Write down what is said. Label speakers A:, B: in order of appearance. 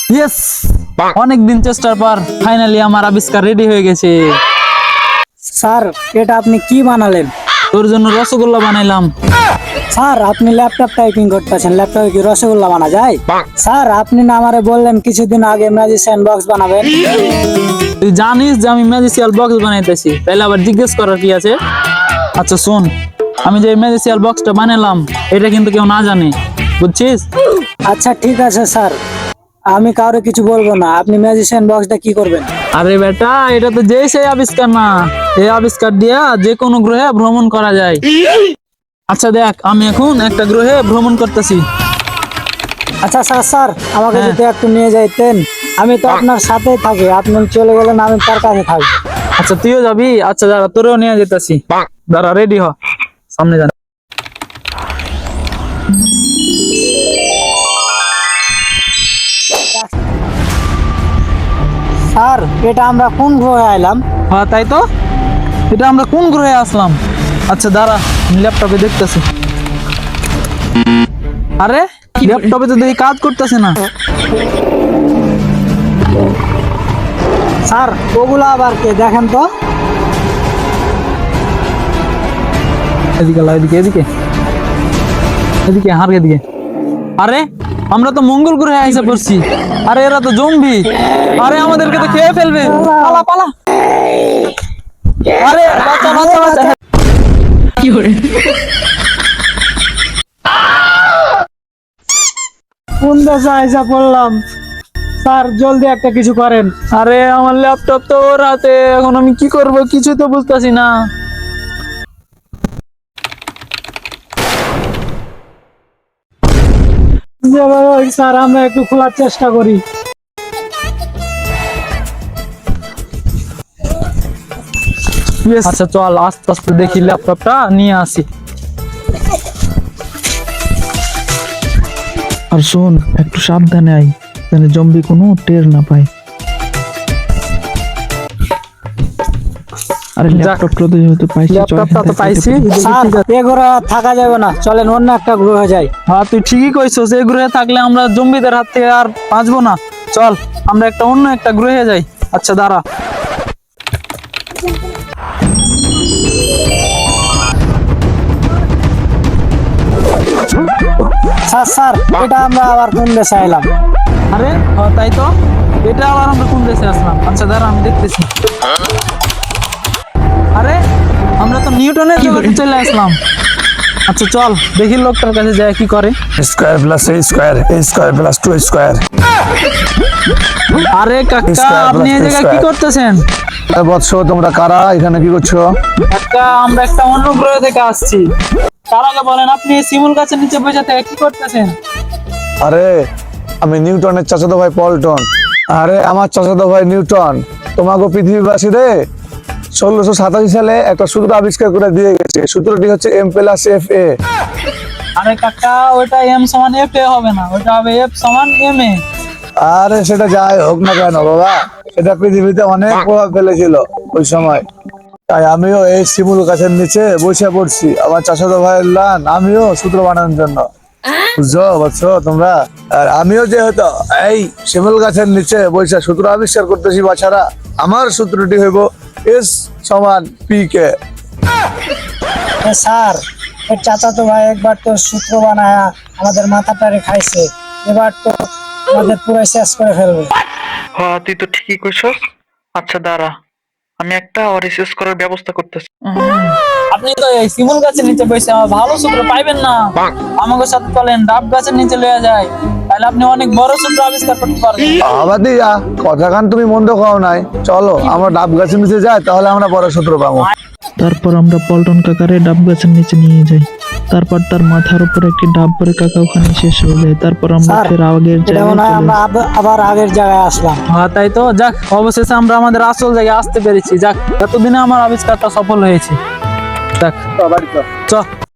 A: Yes, অনেকদিন চেষ্টার পর ফাইনালি আমার আবিষ্কার রেডি হয়ে গেছে।
B: স্যার এটা আপনি কি বানালেন?
A: তোর জন্য রসগোল্লা বানাইলাম।
B: স্যার আপনি ল্যাপটপ টাইপিং করতেছেন, ল্যাপটপে কি রসগোল্লা বানা যায়? স্যার আপনি না আমারে বললেন কিছুদিন আগে ম্যাজিশিয়ান বক্স বানাবেন।
A: তুই জানিস যে আমি ম্যাজিসিয়াল বক্স বানাইতেছি, তাইলে আবার জিজ্ঞেস করার কি আছে? আচ্ছা শোন, আমি যে ম্যাজিসিয়াল বক্সটা বানালাম এটা কিন্তু কেউ না জানে, বুঝছিস?
B: আচ্ছা ঠিক আছে স্যার, আমি কাউরে কিছু বলবো না। আপনি ম্যাজিশিয়ান বক্সটা কি করবেন?
A: আরে বেটা, এটা তো যেই সেই আবিষ্কার না, এই আবিষ্কার দিয়া যে কোনো গ্রহে ভ্রমণ করা যায়। আচ্ছা দেখ, আমি এখন একটা গ্রহে ভ্রমণ করতেছি।
B: আচ্ছা স্যার স্যার আমাকে
A: হ্যাঁ।
B: যদি একটু নিয়ে যাইতেন, আমি তো আপনার সাথেই থাকি, আপনি চলে গেলেন আমি তার কাছে থাকবো।
A: আচ্ছা তুইও যাবি? আচ্ছা দাঁড়া, তোরেও নিয়ে যেতেছি। দাঁড়া, রেডি হ, সামনে যা।
B: স্যার এটা আমরা কোন গ্রহে আইলাম?
A: হ্যাঁ তাই তো, এটা আমরা কোন গ্রহে আসলাম? আচ্ছা দাঁড়া, ল্যাপটপে দেখতেছি। আরে ল্যাপটপে তো দেখি কাজ করতেছে না।
B: স্যার ওগুলো আবার কে, দেখেন তো।
A: এদিকে লা, এদিকে এদিকে এদিকে, হার এদিকে। আরে আমরা তো মঙ্গল গ্রহে আইসা পড়ছি। আরে এরা তো জম্বি, আরে আমাদেরকে তো খেয়ে ফেলবে। পালা পালা। আরে বাচ্চা বাচ্চা বাচ্চা।
B: কোন দেশে আইসা পড়লাম? স্যার জলদি একটা কিছু করেন।
A: আরে আমার ল্যাপটপ তো ওর হাতে, এখন আমি কি করব কিছু তো বুঝতাছি না।
B: স্যার আমরা একটু খোলার চেষ্টা করি।
A: আচ্ছা চল আস্তে আস্তে দেখি, ল্যাপটপটা নিয়ে আসি। আর শোন, একটু সাবধানে আই, যেন জম্বি কোনো টের না পায়। আরে ল্যাপটপটা তো যেহেতু পাইছি,
B: ল্যাপটপটা তো পাইছি। স্যার এ ঘরে আর থাকা যাবে না, চলেন অন্য একটা গ্রহে যাই।
A: হ্যাঁ তুই ঠিকই কইছস, এই গ্রহে থাকলে আমরা জম্বিদের হাত থেকে আর বাঁচবো না। চল আমরা অন্য একটা গ্রহে যাই। আচ্ছা দাঁড়া।
B: স্যার স্যার এটা আমরা আবার কোন দেশে আইলাম?
A: আরে তাই তো, এটা আবার আমরা কোন দেশে আসলাম? আচ্ছা দাঁড়া, আমি দেখতেছি। আরে আমরা তো নিউটনের জগতে চলে আসলাম। আচ্ছা চল দেখি লোকটার কাছে যায় কি করে।
C: Square plus A square, A square plus 2 square.
A: আরে কাকা, আপনি এই জায়গায় কি করতেছেন?
C: বৎস তোমরা কারা, এখানে কি করছো?
A: কাকা আমরা একটা অন্য গ্রহ থেকে আসছি। তার আগে বলেন, আপনি শিমুল গাছের নিচে বসে থেকে কি করতেছেন?
C: আরে আমি নিউটনের চাচাতো ভাই পল্টন। আরে আমার চাচাতো ভাই নিউটন তোমাকে পৃথিবীবাসী রে 1687 সালে একটা সূত্র আবিষ্কার করে দিয়ে গেছে। সূত্রটি হচ্ছে M+F=A।
A: আরে কাকা, ওটা M সমান F এ হবে না, ওটা হবে F সমান M এ।
C: আরে সেটা যাই হোক না কেন বাবা, সেটা পৃথিবীতে অনেক প্রভাব ফেলেছিল ওই সময়। তাই আমিও এই শিমুল গাছের নিচে বসে পড়ছি আমার চাচাতো ভাইয়ের লান, আমিও সূত্র বানানোর জন্য। বুঝছো বুঝছো তোমরা? আর আমিও যেহেতু এই শিমুল গাছের নিচে বসে সূত্র আবিষ্কার করতেছি বাছারা, আমার সূত্রটি হইব S সমান PK।
B: স্যার এর চাচাতো ভাই একবার তো সূত্র বানায় আমাদের মাথাটারে খাইছে, এবার তো আমাদের পুরো শেষ করে ফেলবে।
D: হ্যাঁ তুই তো ঠিকই কইছস। আচ্ছা দাঁড়া, আমি একটা রিসার্চ করার ব্যবস্থা করতেছি।
A: আপনি তো এই শিমুল গাছের নিচে বসে আমার ভালো সূত্র পাইবেন না। আমাকে সাথে চলেন, ডাব গাছের নিচে লয়ে যায়, তাহলে আপনি অনেক বড় সূত্র আবিষ্কার করতে পারবেন।
C: আবাদি যা কথা খান, তুমি মন্দ খাও নাই, চলো আমরা ডাব গাছের নিচে যাই, তাহলে আমরা বড় সূত্র পাবো।
E: তারপর আমরা পল্টন কাকারে ডাব গাছের নিচে নিয়ে যাই। তারপর তার মাথার উপর একটি ডাব পরে কাকা ওখানে শেষ হয়ে যায়। তারপর আমরা
B: স্যার
E: ফের আগের
B: এটা
E: জায়গায়
B: মনে হয়
E: চলে
B: আমরা আবার আগের জায়গায় আসলাম।
A: হ্যাঁ তাই তো, যাক অবশেষে আমরা আমাদের আসল জায়গায় আসতে পেরেছি। যাক, এতদিনে আমার আবিষ্কারটা সফল হয়েছে। যাক চ